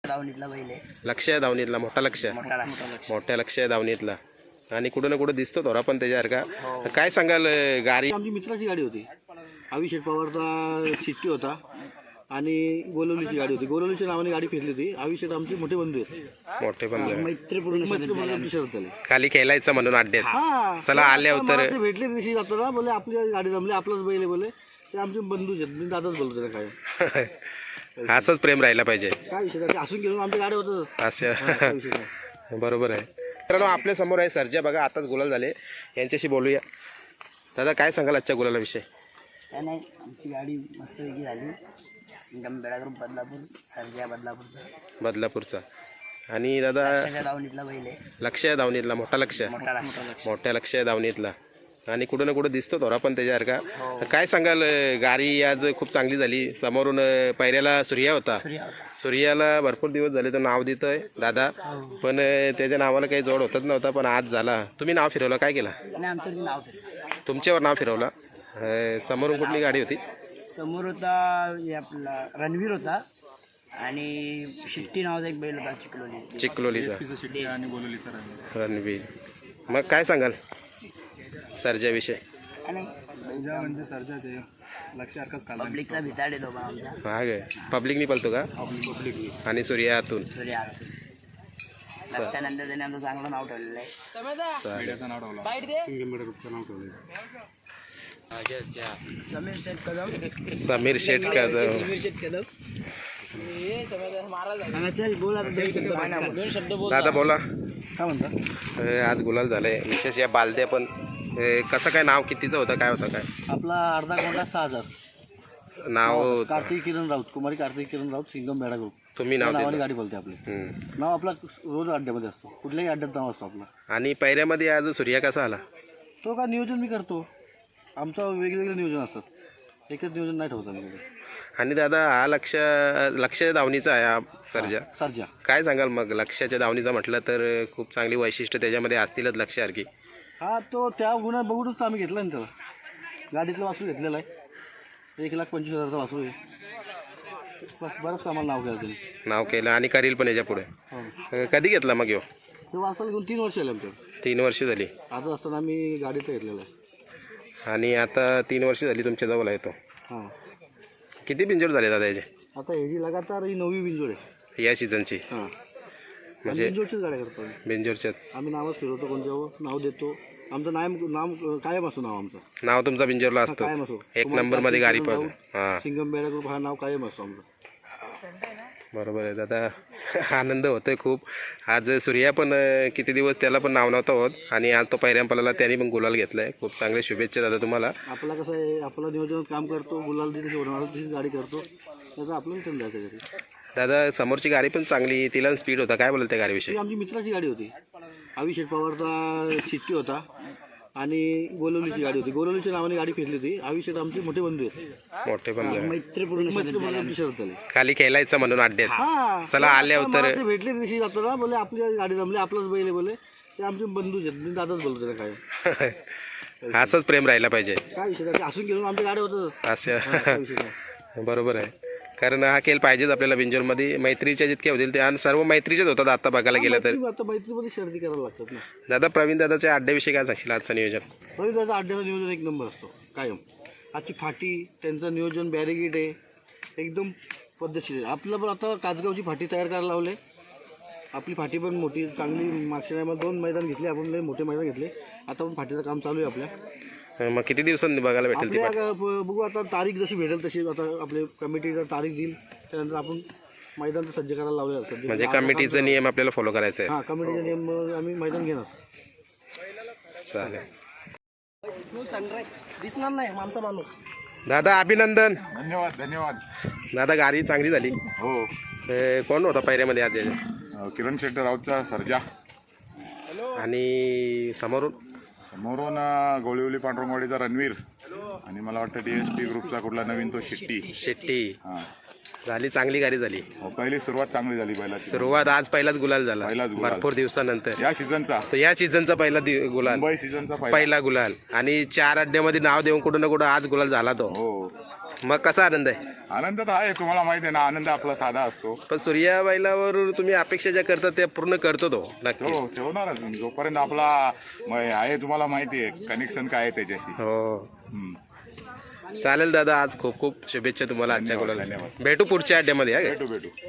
दावणीतला बैल आहे. लक्ष आहे धावणीतला, मोठा लक्ष आहे. मोठ्या लक्ष आहे धावणीतला आणि कुठं ना कुठं दिसतो थोडा पण त्याच्यासारखा. काय सांगाल गाडी? आमची मित्राची गाडी होती. अभिषेक पवारचा शिट्टी होता आणि गोलवलीची गाडी होती. गोलवलीच्या नावाने गाडी फिरली होती. अभिषेक आमचे मोठे बंधू आहेत. मोठे पण मैत्रीपूर्ण मैत्रीपूर्ण शरद झाली. खाली खेळायचं म्हणून अड्ड्यात. हा, चला आले मला तर ते भेटले दिवशी जाताना बोले आपली गाडी जमली, आपलाच बैल आहे बोले. ते आमचे बंधूच आहेत. मी दादाच बोलतो त्याला काय असंच प्रेम राहिला पाहिजे. काय विषय नाही. असून घेऊन आमच्या गाड्या होतं. असं बरोबर आहे. मित्रांनो आपल्या समोर आहे सर्जा बघा, आताच गुलाल झाले. यांच्याशी बोलूया. दादा काय सांगाल आजच्या गुलालाविषयी? काय नाही, आमची गाडी मस्तपैकी झाली. सिंगम बेडा ग्रुप बदलापूर, सर्जा बदलापूरचा. आणि दादा दावणीतला बैल आहे. लक्ष आहे धावणीतला, मोठा लक्ष आहे. मोठ्या लक्ष आहे धावणीतला आणि कुठं ना कुठं दिसतो थोडा पण त्याच्यासारखा. काय सांगाल गाडी आज खूप चांगली झाली. समोरून पायऱ्याला सूर्या होता. सूर्याला भरपूर दिवस झाले तर नाव देतोय दादा, पण त्याच्या नावाला काही जोड होतच नव्हता, पण आज झाला. तुम्ही नाव फिरवलं, काय केला? आमचं नाव फिरलं. तुमच्यावर नाव फिरवला. समोरून कुठली गाडी होती? समोर होता हे आपला रणवीर होता आणि शिट्टी नावाचा एक बैल होता चिखलोलीचा रणवीर. मग काय सांगाल सर्जाविषयी? म्हणजे सर्जा पब्लिकचा भिताड येतो बा आमचा. हा काय पब्लिकनी पळतो का? आणि सूर्यातून लक्षानंतर त्याने आमचं चांगलं नाव ठेवलेलं आहे. समीर शेठ कदम. दादा बोला. काय म्हणता? आज गुलाल झालंय. विशेष या बालद्या पण कसं काय, नाव कितीचं होतं, काय होतं काय? आपला अर्धा कोंडा 6,000 नाव. कार्तिक किरण राऊत, कुमारी कार्तिक किरण राऊत, सिंगम बेडा ग्रुप. तुम्ही नाव नावाने दिलं. गाडी बोलते आपली. नाव आपला रोज अड्ड्यामध्ये असतो. कुठल्याही अड्ड्यात नाव असतो आपला. आणि पायऱ्यामध्ये आज सूर्या कसा आला? तो का नियोजन मी करतो. आमचं वेगवेगळं नियोजन असतं. एकच नियोजन नाही ठेवत आम्ही. आणि दादा हा लक्ष धावणीचा आहे हा सर्जा. सर्जा काय सांगाल मग? लक्षाच्या धावणीचा म्हटलं तर खूप चांगली वैशिष्ट्य त्याच्यामध्ये असतीलच लक्षासारखी. हा, तो त्या गुन्हा बघूनच आम्ही घेतला ना त्याला. गाडीतलं वासरू घेतलेलं आहे. 1,25,000चा वासरू आहे. बरंच आम्हाला नाव केलं त्यांनी. नाव केलं आणि करील पण याच्या पुढे. हो. कधी घेतला मग ह्यो? ते वासरू घेऊन 3 वर्ष आले आमच्या. 3 वर्ष झाली. आता असताना आम्ही गाडीत घेतलेलं आहे. आणि आता 3 वर्ष झाली तुमच्या जवळ आहे तो. हां, किती बिंजोड झाले दादा याचे आता ही जी लगातार ही 9वी बिंजोड आहे. या सीझनची? हां, म्हणजे बिंजोडचीच गाड्या करतो आम्ही. बिंजोडच्यात आम्ही नावच फिरवतो. कोणत्यावर नाव देतो. आमचं नाव कायम असतो. नाव आमचं नाव तुमचा बिंजोरला असतो. कायम असो. 1 नंबर मध्ये गाडी पण. हां सिंगम बेडा ग्रुप हा नाव कायम असतो आमचं. बरोबर आहे दादा. आनंद होतोय खूप. आज सूर्या पण किती दिवस त्याला पण नाव नव्हतं होत आणि आज तो पैऱ्यांपाला त्याने पण गुलाल घेतलाय. खूप चांगले शुभेच्छा दादा तुम्हाला. आपला कसं आहे, आपला नियोजनात काम करतो. गुलाल तिथे होणार तिथे गाडी करतो. त्याचं आपलं रिटर्न जायचं घरी. दादा समोरची गाडी पण चांगली, तिला स्पीड होता. काय बोलत त्या गाडीविषयी? ती आमची मित्राची गाडी होती. अभिषेक पवारचा शिट्टी होता आणि गोलवलीची गाडी होती. गोलवलीच्या नावाने गाडी फिरली होती. अभिषेक आमचे मोठे बंधू आहेत. मोठे पण मैत्रीपूर्ण शरद झाली. खाली खेळायचं म्हणून अड्ड्यात. हा, चला आले तर ते भेटले दिवशी जाताना बोले आपली गाडी जमली, आपलाच बैल आहे बोले. ते आमचे बंधूच आहेत. मी दादाच बोलतो त्याला काय असंच प्रेम राहिला पाहिजे. काय विषय नाही. असून घेऊन आमच्या गाड्या होतं. असं बरोबर आहे. कारण हा खेळ पाहिजेच आपल्याला बिंजोरमध्ये. मैत्रीच्या जितक्या होतील ते आणि सर्व मैत्रीच्याच होतात आता बघायला गेलं तर. आता मैत्रीमध्ये शर्दी करायला लागतात ना. दादा प्रवीण दादाच्या अड्ड्याविषयी काय सांगशील आजचं नियोजन? तरी त्याचा अड्ड्याचं नियोजन 1 नंबर असतो कायम. आजची फाटी त्यांचं नियोजन बॅरिगेट आहे एकदम पद्धतशीर आहे. आपलं पण आता कासगावची फाटी तयार करायला लावले. आपली फाटी पण मोठी चांगली. मागच्या टायमाला 2 मैदान घेतले आपण. लय मोठे मैदान घेतले. आता पण फाटीचं काम चालू आहे आपल्या. मग किती दिवसांनी बघायला भेटेल ती? आपल्या बघू आता तारीख जशी भेटेल तशी. आता आपले कमिटीला तारीख देईल त्यानंतर आपण मैदान तर सज्ज करायला लावले. म्हणजे कमिटीचा नियम आपल्याला फॉलो करायचा आहे. हां, कमिटीचा नियम आम्ही मैदान घेणार. चालेल. दिसणार नाही आमचा माणूस. दादा अभिनंदन. धन्यवाद. दादा गाडी चांगली झाली. हो, कोण होता पायऱ्यामध्ये आज? किरण शेट्टी राऊतचा सर्जा आणि समोरून गोळीवली पांडुरंगवाडीचा रणवीर आणि मला वाटतं DSP ग्रुपचा कुठला नवीन तो शेट्टी. हां, झाली चांगली गाडी झाली. हो, पहिली सुरुवात चांगली झाली. सुरुवात आज पहिलाच गुलाल झाला. पहिलाच गुलाल. भरपूर दिवसानंतर या सीझनचा, तर या सीझनचा पहिला गुलाल. मुंबई सीझनचा पहिला गुलाल आणि 4 अड्ड्यामध्ये नाव देऊन कुठं ना कुठं आज गुलाल झाला तो. हो, मग कसा आनंद आहे? आनंद तर आहे, तुम्हाला माहिती आहे ना, आनंद आपला साधा असतो. पण सूर्या बैलावर तुम्ही अपेक्षा ज्या करता त्या पूर्ण करतो तो नक्की. हो ठेवणारच जोपर्यंत आपला आहे, तुम्हाला माहिती आहे कनेक्शन काय आहे त्याच्याशी. हो हम्म. चालेल दादा, आज खूप खूप शुभेच्छा तुम्हाला आजच्या धन्यवाद, गुलाला. धन्यवाद. भेटू पुढच्या अड्ड्यामध्ये. हा काय? भेटू